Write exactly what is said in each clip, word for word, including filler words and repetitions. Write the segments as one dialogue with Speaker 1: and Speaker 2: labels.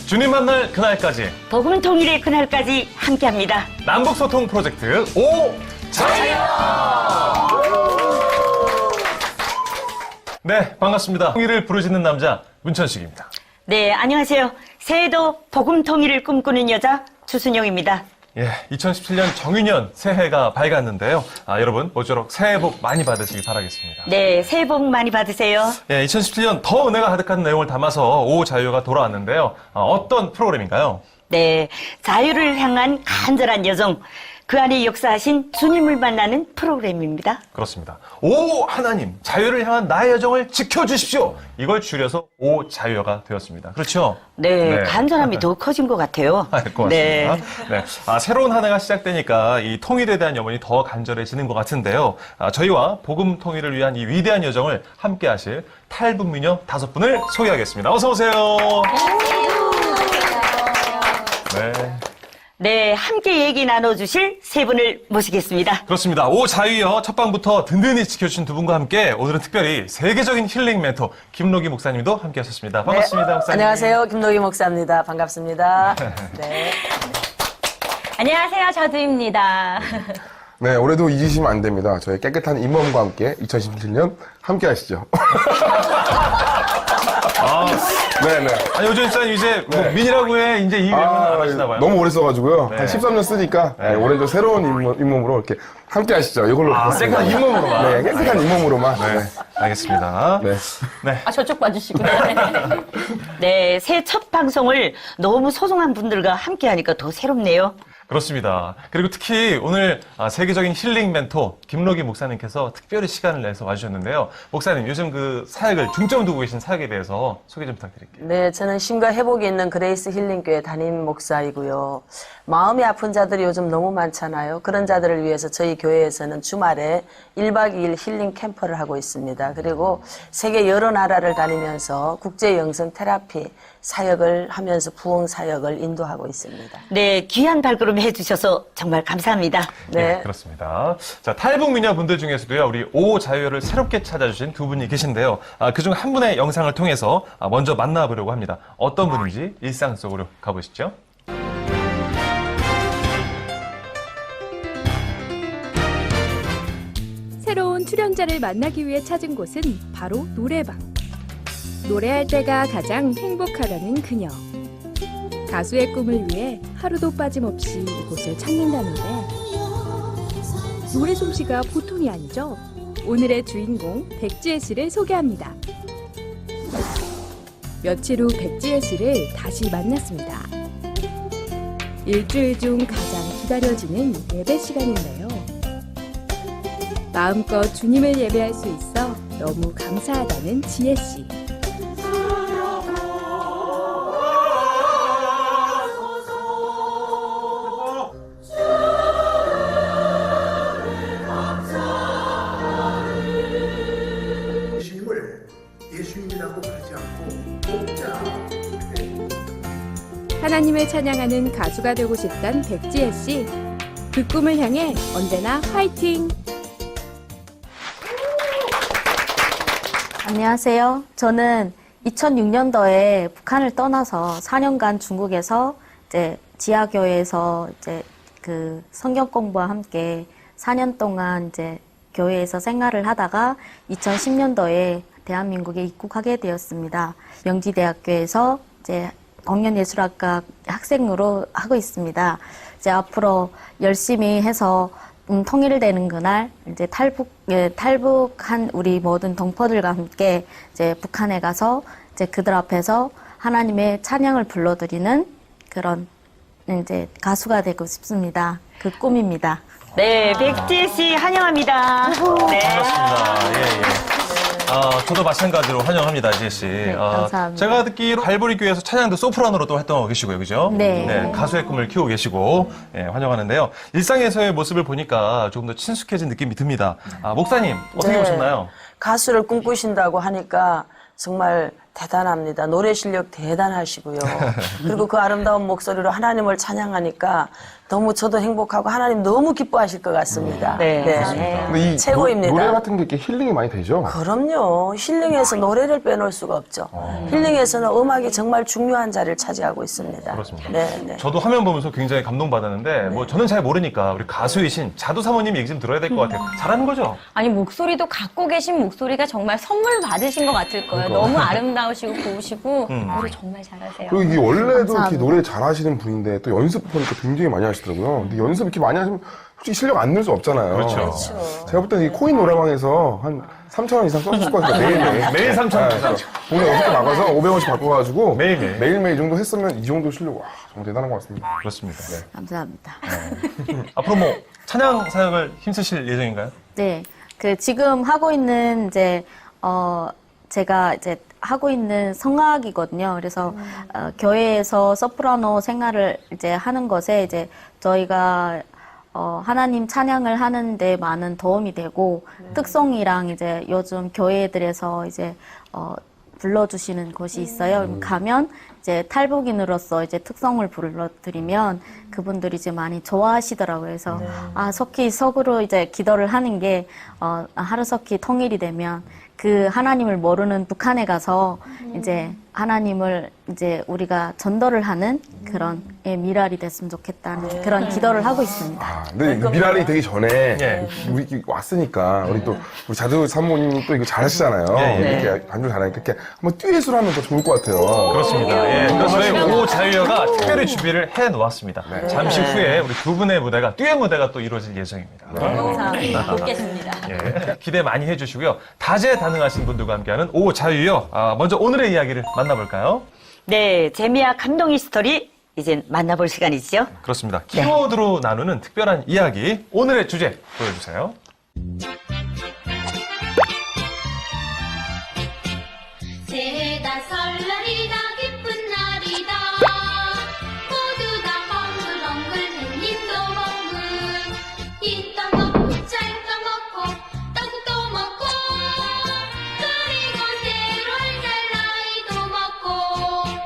Speaker 1: 주님 만날 그날까지
Speaker 2: 복음 통일의 그날까지 함께합니다.
Speaker 1: 남북소통 프로젝트 오 자유. 네, 반갑습니다. 통일을 부르짖는 남자 문천식입니다.
Speaker 2: 네, 안녕하세요. 새해도 복음 통일을 꿈꾸는 여자 주순영입니다.
Speaker 1: 예, 이천십칠 년 정유년 새해가 밝았는데요. 아, 여러분 모쪼록 새해 복 많이 받으시기 바라겠습니다.
Speaker 2: 네, 새해 복 많이 받으세요.
Speaker 1: 예, 이천십칠 년 더 은혜가 가득한 내용을 담아서 오 자유가 돌아왔는데요. 아, 어떤 프로그램인가요?
Speaker 2: 네, 자유를 향한 간절한 여정. 그 안에 역사하신 주님을 만나는 프로그램입니다.
Speaker 1: 그렇습니다. 오 하나님, 자유를 향한 나의 여정을 지켜주십시오. 이걸 줄여서 오 자유가 되었습니다. 그렇죠?
Speaker 2: 네,
Speaker 1: 네.
Speaker 2: 간절함이 더 커진 것 같아요.
Speaker 1: 아, 고맙습니다.
Speaker 2: 네.
Speaker 1: 네. 아, 새로운 한 해가 시작되니까 이 통일에 대한 염원이 더 간절해지는 것 같은데요. 아, 저희와 복음 통일을 위한 이 위대한 여정을 함께 하실 탈북미녀 다섯 분을 소개하겠습니다. 어서 오세요. 네.
Speaker 2: 네, 함께 얘기 나눠주실 세 분을 모시겠습니다.
Speaker 1: 그렇습니다. 오 자유여 첫 방부터 든든히 지켜주신 두 분과 함께 오늘은 특별히 세계적인 힐링 멘토 김노기 목사님도 함께 하셨습니다. 반갑습니다.
Speaker 3: 네.
Speaker 1: 목사님.
Speaker 3: 안녕하세요. 김노기 목사입니다. 반갑습니다. 네.
Speaker 4: 안녕하세요. 저두입니다.
Speaker 5: 네, 올해도 잊으시면 안 됩니다. 저희 깨끗한 잇몸과 함께 이천십칠 년 함께 하시죠.
Speaker 1: 아,
Speaker 5: 네네.
Speaker 1: 아니, 요즘 목사님 이제 뭐
Speaker 5: 네.
Speaker 1: 민이라고 해 이제 이 외모는 안 하시나 봐요.
Speaker 5: 너무 오래 써가지고요.
Speaker 1: 네.
Speaker 5: 한 십삼 년 쓰니까 네, 올해도 새로운 잇몸, 잇몸으로 이렇게 함께 하시죠. 이걸로
Speaker 1: 아,
Speaker 5: 부탁드립니다.
Speaker 1: 깨끗한 잇몸으로만.
Speaker 5: 네, 깨끗한 잇몸으로만.
Speaker 1: 네,
Speaker 5: 네.
Speaker 1: 알겠습니다.
Speaker 5: 네.
Speaker 1: 네.
Speaker 4: 아, 저쪽 봐주시고요.
Speaker 2: 네, 새해 첫 방송을 너무 소중한 분들과 함께 하니까 더 새롭네요.
Speaker 1: 그렇습니다. 그리고 특히 오늘 아, 세계적인 힐링 멘토 김노기 목사님께서 특별히 시간을 내서 와주셨는데요. 목사님, 요즘 그 사역을 중점 두고 계신 사역에 대해서 소개 좀 부탁드릴게요.
Speaker 3: 네, 저는 쉼과 회복이 있는 그레이스 힐링교회 담임 목사이고요. 마음이 아픈 자들이 요즘 너무 많잖아요. 그런 자들을 위해서 저희 교회에서는 주말에 일 박 이 일 힐링 캠프를 하고 있습니다. 그리고 세계 여러 나라를 다니면서 국제 영성 테라피 사역을 하면서 부흥 사역을 인도하고 있습니다.
Speaker 2: 네, 귀한 발걸음 해주셔서 정말 감사합니다.
Speaker 1: 네,
Speaker 3: 네.
Speaker 1: 그렇습니다. 자, 탈북 미녀 분들 중에서도요, 우리 오 자유를 새롭게 찾아주신 두 분이 계신데요. 아, 그중 한 분의 영상을 통해서 아, 먼저 만나보려고 합니다. 어떤 분인지 일상 속으로 가보시죠.
Speaker 6: 새로운 출연자를 만나기 위해 찾은 곳은 바로 노래방. 노래할 때가 가장 행복하다는 그녀. 가수의 꿈을 위해 하루도 빠짐없이 이곳을 찾는다는데 노래 솜씨가 보통이 아니죠. 오늘의 주인공 백지혜 씨를 소개합니다. 며칠 후 백지혜 씨를 다시 만났습니다. 일주일 중 가장 기다려지는 예배 시간인데요. 마음껏 주님을 예배할 수 있어 너무 감사하다는 지혜 씨.
Speaker 7: 예수님을 예수님이라고 부르지 않고 목자.
Speaker 6: 하나님을 찬양하는 가수가 되고 싶던 백지혜 씨. 그 꿈을 향해 언제나 화이팅!
Speaker 8: 안녕하세요. 저는 이천육 년도에 북한을 떠나서 사 년간 중국에서 이제 지하교회에서 이제 그 성경 공부와 함께 사 년 동안 이제 교회에서 생활을 하다가 이천십 년도에 대한민국에 입국하게 되었습니다. 명지대학교에서 이제 공연예술학과 학생으로 하고 있습니다. 이제 앞으로 열심히 해서 음, 통일되는 그날 이제 탈북 예, 탈북한 우리 모든 동포들과 함께 이제 북한에 가서 이제 그들 앞에서 하나님의 찬양을 불러드리는 그런 이제 가수가 되고 싶습니다. 그 꿈입니다.
Speaker 2: 네, 백지혜 씨 환영합니다. 네.
Speaker 1: 반갑습니다. 예, 예. 아, 저도 마찬가지로 환영합니다, 지혜 씨.
Speaker 8: 네,
Speaker 1: 아,
Speaker 8: 감사합니다.
Speaker 1: 제가 듣기로 갈보리 교회에서 찬양도 소프라노로 또 활동하고 계시고요, 그죠?
Speaker 8: 네.
Speaker 1: 가수의 꿈을 키우고 계시고, 예, 환영하는데요. 일상에서의 모습을 보니까 조금 더 친숙해진 느낌이 듭니다. 아, 목사님, 어떻게
Speaker 3: 네.
Speaker 1: 보셨나요?
Speaker 3: 가수를 꿈꾸신다고 하니까 정말 대단합니다. 노래 실력 대단하시고요. 그리고 그 아름다운 목소리로 하나님을 찬양하니까 너무 저도 행복하고 하나님 너무 기뻐하실 것 같습니다.
Speaker 2: 네.
Speaker 5: 근데 이
Speaker 3: 최고입니다.
Speaker 5: 노, 노래 같은 게 이렇게 힐링이 많이 되죠?
Speaker 3: 그럼요. 힐링에서 노래를 빼놓을 수가 없죠. 힐링에서는 음악이 정말 중요한 자리를 차지하고 있습니다.
Speaker 1: 그렇습니다.
Speaker 3: 네, 네.
Speaker 1: 저도 화면 보면서 굉장히 감동받았는데 뭐 저는 잘 모르니까 우리 가수이신 자두 사모님 얘기 좀 들어야 될 것 같아요. 잘하는 거죠?
Speaker 4: 아니, 목소리도 갖고 계신 목소리가 정말 선물 받으신 것 같을 거예요. 너무 아름다우시고 고우시고 노래 정말 잘하세요.
Speaker 5: 그리고 이게 원래도 이렇게
Speaker 8: 감사합니다.
Speaker 5: 노래 잘하시는 분인데 또 연습 보니까 굉장히 많이 하시더라고요. 근데 연습 이렇게 많이 하시면 솔직히 실력 안 늘 수 없잖아요.
Speaker 1: 그렇죠.
Speaker 5: 제가 볼 때는 이 코인 노래방에서 한 삼천 원 이상 썼을 것 같아요. 매일매일.
Speaker 1: 매일 삼천 원 이상.
Speaker 5: 오늘 여섯 개 나가서 오백 원씩 바꿔가지고
Speaker 1: 매일매일.
Speaker 5: 매일매일 이 정도 했으면 이 정도 실력, 와, 정말 대단한 것 같습니다.
Speaker 1: 그렇습니다. 네.
Speaker 8: 감사합니다.
Speaker 1: 앞으로 뭐 찬양 사역을 힘쓰실 예정인가요?
Speaker 8: 네, 그 지금 하고 있는 이제 어 제가 이제 하고 있는 성악이거든요. 그래서 어, 교회에서 소프라노 생활을 이제 하는 것에 이제 저희가 어, 하나님 찬양을 하는데 많은 도움이 되고 특송이랑 이제 요즘 교회들에서 이제 어, 불러주시는 곳이 있어요. 그럼 가면 이제 탈북인으로서 이제 특성을 불러드리면 그분들이 이제 많이 좋아하시더라고요. 그래서 아 석희 석으로 이제 기도를 하는 게 어, 하루석희 통일이 되면 그 하나님을 모르는 북한에 가서 이제 하나님을 이제 우리가 전도를 하는 그런 예, 미랄이 됐으면 좋겠다는 그런 기도를 하고 있습니다.
Speaker 5: 아, 근데 이 미랄이 되기 전에
Speaker 1: 예.
Speaker 5: 우리 이렇게 왔으니까 우리 또 우리 자두 사모님이 또 이거 잘하시잖아요.
Speaker 1: 예, 예.
Speaker 5: 이렇게 반주 잘하니까 이렇게 한번 듀엣으로 하면 더 좋을 것 같아요.
Speaker 1: 그렇습니다. 예. 그래서 저희 오 자유여가 특별히 준비를 해 놓았습니다. 잠시 후에 우리 두 분의 무대가 듀엣 무대가 또 이루어질 예정입니다.
Speaker 4: 감사합니다. 듣겠습니다.
Speaker 1: 예. 기대 많이 해주시고요. 다재다능하신 분들과 함께하는 오 자유여. 아, 먼저 오늘의 이야기를 만나볼까요?
Speaker 2: 네, 재미와 감동의 스토리 이제 만나볼 시간이죠.
Speaker 1: 그렇습니다. 키워드로 나누는 특별한 이야기. 오늘의 주제 보여주세요.
Speaker 9: 새해다 설날이다 기쁜 날이다 모두 다 헝글헝글 햇님도 멍글 인떡 먹고 짤떡 먹고 떡도 먹고 그리고 새로운 날 나이도 먹고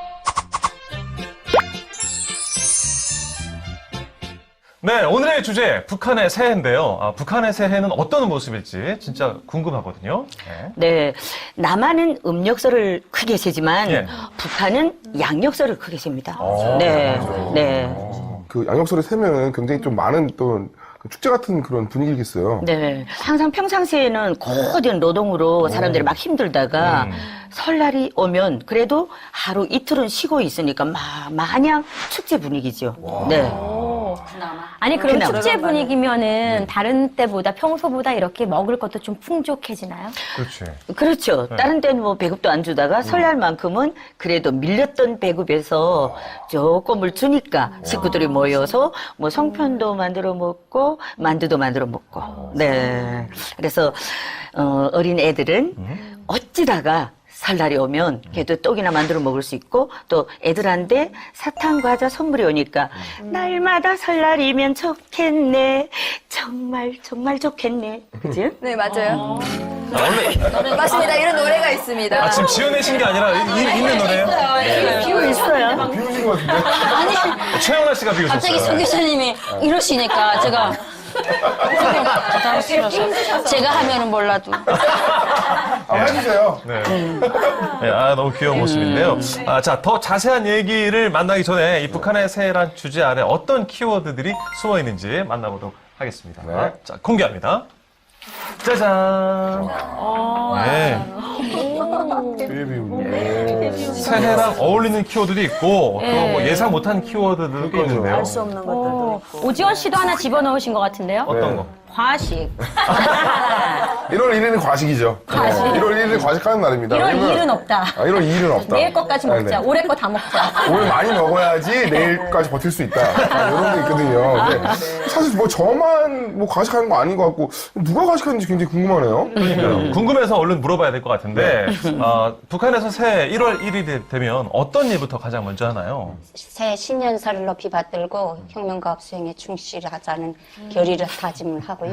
Speaker 1: 네, 오늘의 주제 북한의 새해인데요. 아, 북한의 새해는 어떤 모습일지 진짜 궁금하거든요. 네.
Speaker 2: 네, 남한은 음력설을 크게 세지만
Speaker 1: 예.
Speaker 2: 북한은 양력설을 크게 셉니다.
Speaker 1: 어,
Speaker 2: 네, 네.
Speaker 5: 어, 그 양력설을 세면 굉장히 좀 많은 또 축제 같은 그런 분위기겠어요.
Speaker 2: 네. 항상 평상시에는 고된 노동으로 사람들이 막 힘들다가
Speaker 1: 음.
Speaker 2: 설날이 오면 그래도 하루 이틀은 쉬고 있으니까 마, 마냥 축제 분위기죠. 네.
Speaker 4: 아니, 그럼
Speaker 2: 그나마.
Speaker 4: 축제 분위기면은 다른 때보다 평소보다 이렇게 먹을 것도 좀 풍족해지나요?
Speaker 1: 그렇지.
Speaker 2: 그렇죠. 다른 때는 뭐 배급도 안 주다가 설날만큼은 그래도 밀렸던 배급에서 조금을 주니까 식구들이 모여서 뭐 송편도 만들어 먹고 만두도 만들어 먹고. 네. 그래서 어, 어린 애들은 어찌다가 설날이 오면 그래도 떡이나 만들어 먹을 수 있고 또 애들한테 사탕 과자 선물이 오니까 날마다 설날이면 좋겠네. 정말 정말 좋겠네. 그지?
Speaker 10: 네, 맞아요.
Speaker 1: 아, 원래
Speaker 10: 맞습니다. 이런 노래가 있습니다.
Speaker 1: 아, 지금 지어내신 게 아니라 이, 있는 노래예요?
Speaker 2: 비고 있어요.
Speaker 5: 비우신 것 같은데?
Speaker 1: 최영란 씨가 비우셨어요.
Speaker 10: 갑자기 송 교수님이 이러시니까 제가 제가 하면은 몰라도
Speaker 5: 아, 해주세요.
Speaker 1: 네. 네, 아, 너무 귀여운 모습인데요. 아, 자, 더 자세한 얘기를 만나기 전에 이 북한의 새해란 주제 아래 어떤 키워드들이 숨어 있는지 만나보도록 하겠습니다.
Speaker 5: 네.
Speaker 1: 자, 공개합니다. 짜잔. 네.
Speaker 5: 되게 비우네.
Speaker 1: 새해랑 어울리는 키워드도 있고 또 뭐 예상 못한 키워드들도 있는데요.
Speaker 3: 알 수 없는 것들도 있고.
Speaker 4: 오지원 씨도 하나 집어넣으신 것 같은데요?
Speaker 1: 어떤
Speaker 5: 네.
Speaker 1: 거?
Speaker 4: 과식.
Speaker 5: 일월 일 일은 과식이죠.
Speaker 4: 과식.
Speaker 5: 네. 일월 일 일은 과식하는 날입니다.
Speaker 4: 일월
Speaker 5: 왜냐면-
Speaker 4: 이 일은 없다.
Speaker 5: 아, 일월 이 일은 없다.
Speaker 4: 내일 것까지 먹자.
Speaker 5: 네, 네.
Speaker 4: 올해 거 다 먹자.
Speaker 5: 오늘 많이 먹어야지 내일까지 버틸 수 있다. 아, 이런 게 있거든요. 근데 사실 뭐 저만 뭐 과식하는 거 아닌 것 같고 누가 과식하는지 굉장히 궁금하네요.
Speaker 1: 그러니까요. 궁금해서 얼른 물어봐야 될 것 같은데 어, 북한에서 새해 일월 일 일이 되면 어떤 일부터 가장 먼저 하나요?
Speaker 11: 새 신년사를 높이 받들고 혁명과학 수행에 충실하자는 결의를 다짐을 하고요.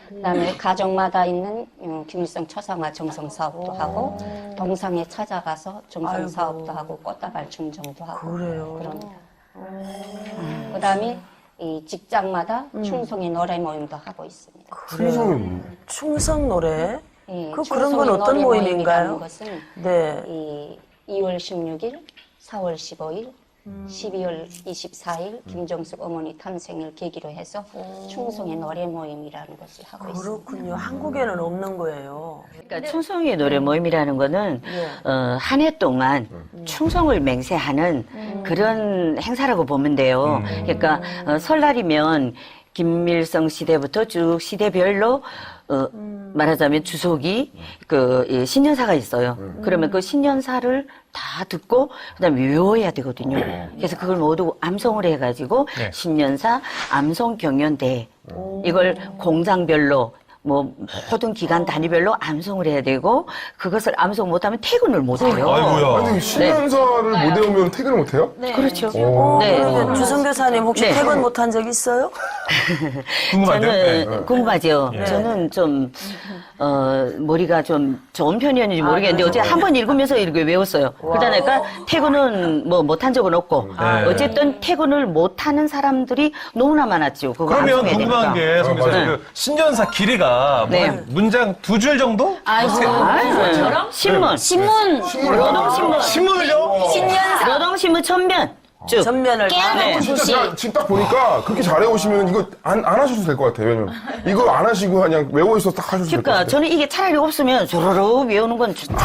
Speaker 11: 그다음에 가정마다 있는 음, 김일성 처상화 정성 사업도 하고 동상에 찾아가서 정성
Speaker 3: 아이고.
Speaker 11: 사업도 하고 꽃다발 충정도 하고
Speaker 3: 그래요?
Speaker 11: 그럽니다. 음. 그다음에 이 직장마다 충성의 노래 모임도 하고 있습니다.
Speaker 5: 충성이
Speaker 3: 충성 노래?
Speaker 11: 예,
Speaker 3: 그 그런 건
Speaker 11: 충성의
Speaker 3: 어떤
Speaker 11: 노래
Speaker 3: 모임인가요?
Speaker 11: 모임이라는 것은
Speaker 3: 네.
Speaker 11: 이 이월 십육일, 사월 십오일, 십이월 이십사일 김정숙 어머니 탄생을 계기로 해서 충성의 노래 모임이라는 것을 하고 있습니다.
Speaker 3: 그렇군요. 한국에는 없는 거예요.
Speaker 2: 그러니까 충성의 노래 모임이라는 거는
Speaker 3: 예.
Speaker 2: 어, 한 해 동안 충성을 맹세하는 그런 행사라고 보면 돼요. 그러니까 어, 설날이면 김일성 시대부터 쭉 시대별로 어, 말하자면 주석이 그 이 신년사가 있어요. 그러면 그 신년사를 다 듣고 그다음에 외워야 되거든요. 그래서 그걸 모두 암송을 해가지고
Speaker 1: 네.
Speaker 2: 신년사 암송 경연대 이걸 공장별로 뭐 모든 기간 단위별로 암송을 해야 되고 그것을 암송 못하면 퇴근을 못해요.
Speaker 1: 아이고야.
Speaker 5: 아니, 신년사를 못 외우면 퇴근을 못 해요?
Speaker 2: 그렇죠.
Speaker 5: 오.
Speaker 2: 네.
Speaker 3: 그러면 주성 교사님 혹시
Speaker 2: 네.
Speaker 3: 퇴근 못한 적 있어요?
Speaker 1: 궁금한데요?
Speaker 2: 저는
Speaker 1: 네.
Speaker 2: 궁금하죠.
Speaker 1: 예.
Speaker 2: 저는 좀 어, 머리가 좀 좋은 편이었는지 모르겠는데 어제 한 번 읽으면서 이렇게 외웠어요. 그러니까 퇴근은 뭐 못한 적은 없고
Speaker 1: 네.
Speaker 2: 어쨌든 퇴근을 못하는 사람들이 너무나 많았죠. 그거
Speaker 1: 그러면
Speaker 2: 암송해야
Speaker 1: 궁금한
Speaker 2: 되니까.
Speaker 1: 게, 송 교사님,
Speaker 2: 네.
Speaker 1: 그 신년사 길이가 뭐
Speaker 2: 네.
Speaker 1: 한 문장 두 줄 정도?
Speaker 2: 아이고, 신문,
Speaker 10: 신문,
Speaker 2: 노동신문,
Speaker 1: 신문을요?
Speaker 10: 신년사,
Speaker 2: 노동신문 전면 쭉.
Speaker 3: 전면을 다
Speaker 10: 깨알같은
Speaker 5: 진짜
Speaker 10: 소식.
Speaker 5: 제가 지금 딱 보니까 그렇게 잘해 오시면 이거 안, 안 하셔도 될 것 같아요. 왜냐면 이거 안 하시고 그냥 외워 있어서 딱 하셔도 될 것
Speaker 2: 그러니까
Speaker 5: 같아요.
Speaker 2: 저는 이게 차라리 없으면 조로로 외우는 건 좋다.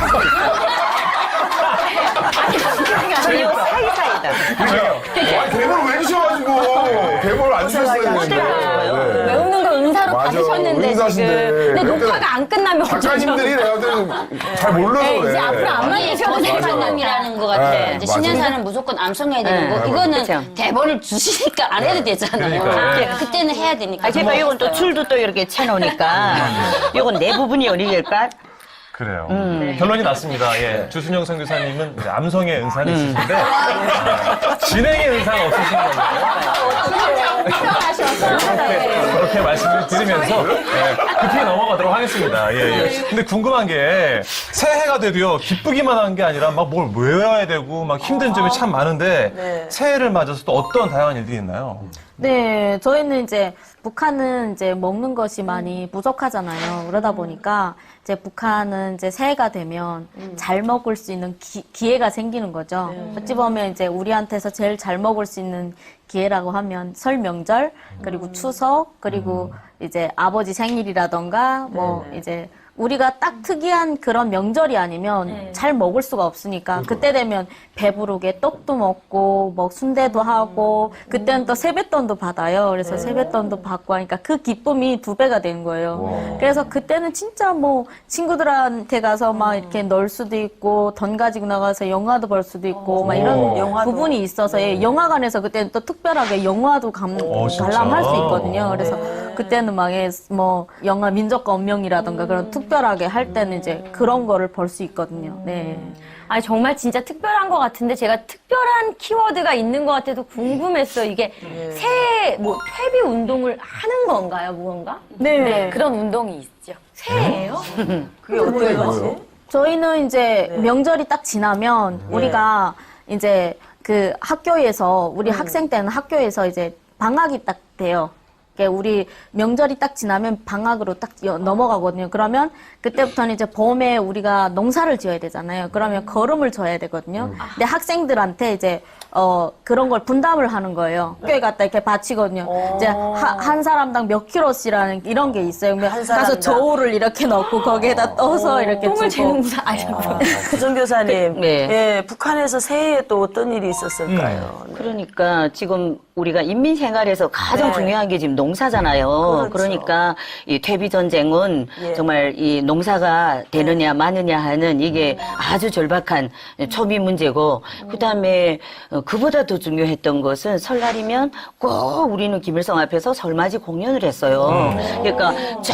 Speaker 2: 저는 이거 사이사이다.
Speaker 5: 그러니까 아니, 대본을 왜 주셔가지고 대본을 안 주셨어야 되는데. 네.
Speaker 4: 외우는 거 은사로
Speaker 5: 맞아.
Speaker 4: 받으셨는데
Speaker 5: 은사신데.
Speaker 4: 지금. 근데
Speaker 5: 그럴 때는
Speaker 4: 녹화가 안 끝나면
Speaker 5: 작가님들이 내가 볼때는 잘 몰라서
Speaker 4: 네,
Speaker 5: 그래.
Speaker 4: 이제 앞으로 안
Speaker 10: 아니, 저생관념이라는 것 같아.
Speaker 5: 네,
Speaker 10: 이제
Speaker 5: 맞아요.
Speaker 10: 신년사는 무조건 암송해야 되는
Speaker 2: 네,
Speaker 10: 거. 이거는
Speaker 2: 그쵸.
Speaker 10: 대본을 주시니까 안 해도 되잖아요.
Speaker 1: 그러니까요.
Speaker 10: 네, 그때는 해야 되니까.
Speaker 2: 아, 제가 이건 또 줄도 또 이렇게 쳐놓으니까 이건 내 부분이 어디일까?
Speaker 1: 그래요.
Speaker 2: 음.
Speaker 1: 결론이 났습니다. 예. 주순영 선교사님은 이제 암송의 은사는 있으신데 아, 진행의 은사가 없으신 거예요. 그렇게, 그렇게 말씀을 드리면서 예, 급히 넘어가도록 하겠습니다. 예, 예. 근데 궁금한 게 새해가 돼도요 기쁘기만 한 게 아니라 막 뭘 외워야 되고 막 힘든 점이 참 많은데
Speaker 3: 네.
Speaker 1: 새해를 맞아서 또 어떤 다양한 일들이 있나요?
Speaker 8: 네, 저희는 이제 북한은 이제 먹는 것이 많이 부족하잖아요. 그러다 보니까 이제 북한은 이제 새해가 되면 잘 먹을 수 있는 기, 기회가 생기는 거죠. 어찌 보면 이제 우리한테서 제일 잘 먹을 수 있는 기회라고 하면 설 명절, 그리고 추석, 그리고 이제 아버지 생일이라던가 뭐 이제 우리가 딱 특이한 그런 명절이 아니면 잘 먹을 수가 없으니까 그때 되면 배부르게 떡도 먹고 뭐 순대도 하고 그때는 또 세뱃돈도 받아요. 그래서 세뱃돈도 받고 하니까 그 기쁨이 두 배가 되는 거예요. 그래서 그때는 진짜 뭐 친구들한테 가서 막 이렇게 놀 수도 있고 돈 가지고 나가서 영화도 볼 수도 있고 막 이런
Speaker 3: 영화도.
Speaker 8: 부분이 있어서 예, 영화관에서 그때는 또 특별하게 영화도 감,
Speaker 1: 어, 진짜?
Speaker 8: 관람할 수 있거든요. 그래서 그때는 막 뭐 영화 민족과 운명이라던가 그런 특별하게 할 때는 이제 그런 거를 볼 수 있거든요. 네.
Speaker 4: 아니 정말 진짜 특별한 것 같은데 제가 특별한 키워드가 있는 것 같아서 궁금했어요. 이게 새해 뭐 퇴비 운동을 하는 건가요, 무언가?
Speaker 8: 네.
Speaker 4: 그런 운동이 있죠. 새해예요?
Speaker 3: 그게 어떻게 거지?
Speaker 8: 저희는 이제 명절이 딱 지나면 우리가 이제 그 학교에서 우리 학생 때는 학교에서 이제 방학이 딱 돼요. 그러니까 우리 명절이 딱 지나면 방학으로 딱 여- 넘어가거든요. 그러면 그때부터는 이제 봄에 우리가 농사를 지어야 되잖아요. 그러면 거름을 져야 되거든요. 근데 학생들한테 이제 어 그런 걸 분담을 하는 거예요. 학교에 갔다 이렇게 바치거든요. 이제 하, 한 사람당 몇 킬로씩이라는 이런 게 있어요. 그러면
Speaker 3: 한
Speaker 8: 가서
Speaker 3: 사람당.
Speaker 8: 저울을 이렇게 넣고 거기에다 떠서 이렇게
Speaker 4: 똥을
Speaker 8: 주고.
Speaker 4: 재는구나. 아니,
Speaker 3: 주성 교사님,
Speaker 2: 네.
Speaker 3: 예, 북한에서 새해에 또 어떤 일이 있었을까요? 네.
Speaker 2: 그러니까 지금 우리가 인민 생활에서 가장
Speaker 3: 네.
Speaker 2: 중요한 게 지금 농사잖아요.
Speaker 3: 그렇죠.
Speaker 2: 그러니까이 퇴비 전쟁은
Speaker 3: 예.
Speaker 2: 정말 이 농사가 되느냐 마느냐 하는 이게 아주 절박한 초비 문제고 그다음에 어, 그보다 더 중요했던 것은 설날이면 꼭 우리는 김일성 앞에서 설맞이 공연을 했어요. 그러니까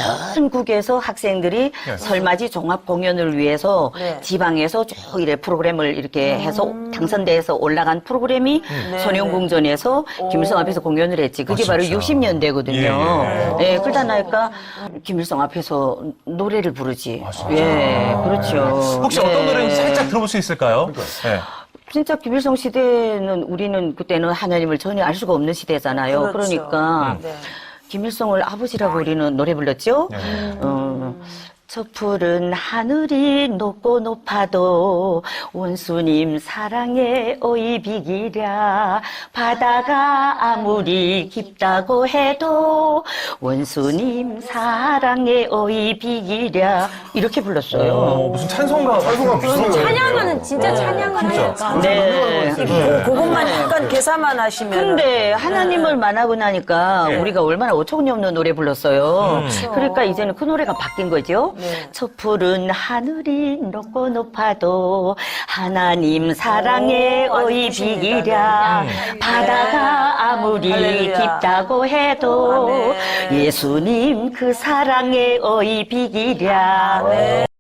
Speaker 2: 전국에서 학생들이
Speaker 1: 네.
Speaker 2: 설맞이 종합 공연을 위해서
Speaker 3: 네.
Speaker 2: 지방에서 쭉 이래 프로그램을 이렇게 해서 당선돼서 올라간 프로그램이
Speaker 3: 네.
Speaker 2: 선영궁전에서 김일성 앞에서 공연을 했지. 그게
Speaker 1: 아,
Speaker 2: 바로
Speaker 1: 진짜?
Speaker 2: 육십 년대거든요.
Speaker 1: 예,
Speaker 2: 예, 그러다 나니까 김일성 앞에서 노래를 부르지. 예, 그렇죠.
Speaker 1: 혹시
Speaker 2: 예.
Speaker 1: 어떤 노래인지 살짝 들어볼 수 있을까요? 네.
Speaker 2: 진짜 김일성 시대는 우리는 그때는 하나님을 전혀 알 수가 없는 시대잖아요.
Speaker 3: 그렇죠.
Speaker 2: 그러니까
Speaker 3: 네.
Speaker 2: 김일성을 아버지라고 우리는 노래 불렀죠.
Speaker 1: 네.
Speaker 2: 어, 저 푸른 하늘이 높고 높아도 원수님 사랑에 어이 비기랴. 바다가 아무리 깊다고 해도 원수님 사랑에 어이 비기랴. 이렇게 불렀어요.
Speaker 1: 어, 무슨 찬송가.
Speaker 5: 찬송가 비슷한 거예요.
Speaker 4: 찬양하는 진짜 찬양을 하니까.
Speaker 2: 네.
Speaker 3: 그것만 약간 계산만 하시면.
Speaker 2: 근데 하나님을 만나고 나니까 우리가 얼마나 어처구니 없는 노래 불렀어요. 그러니까 이제는 그 노래가 바뀐 거죠.
Speaker 3: 네.
Speaker 2: 저 푸른 하늘이 높고 높아도 하나님 사랑에
Speaker 3: 오, 아주
Speaker 2: 어이
Speaker 3: 크십니다.
Speaker 2: 비기랴.
Speaker 3: 네.
Speaker 2: 바다가 아무리
Speaker 3: 할렐루야.
Speaker 2: 깊다고 해도
Speaker 3: 아멘.
Speaker 2: 예수님 그 사랑에 어이 비기랴.
Speaker 3: 네.